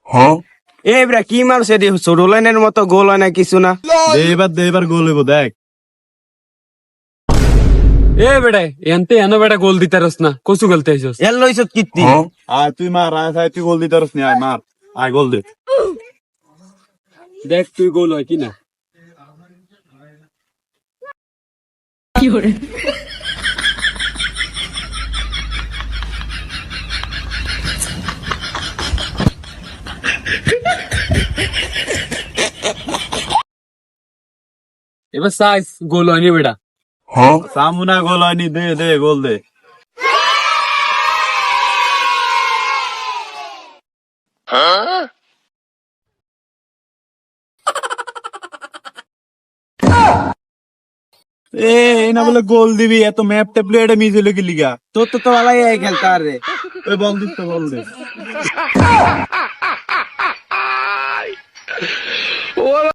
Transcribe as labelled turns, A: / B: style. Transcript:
A: এবার কি মারছে রে, ছোট লাইনের মতো গোল হয় না কিছু না।
B: দে এবার গোল হইব দেখ।
C: এ বেটা এনতে এনো বেটা গোল দিতারস না, কসু গলতে আইছস?
A: এর লইছত কীর্তি।
B: আয় তুই মার, আয় তুই গোল দিতে পারস নি, আয় মার, আয় গোল দে।
C: দেখ তুই গোল হয় কিনা। এবার সাইজ গোল হয়নি বেটা।
B: সামুনা গোল হয়নি, দে গোল দে। না বলে গোল দিবি, এত ম্যাপ ট্যাপ এটা মিস হইলো কি লিগা?
A: তোর তো ভালাই খেলতে আর রে।
B: ওই বল দিস তো, বল দে।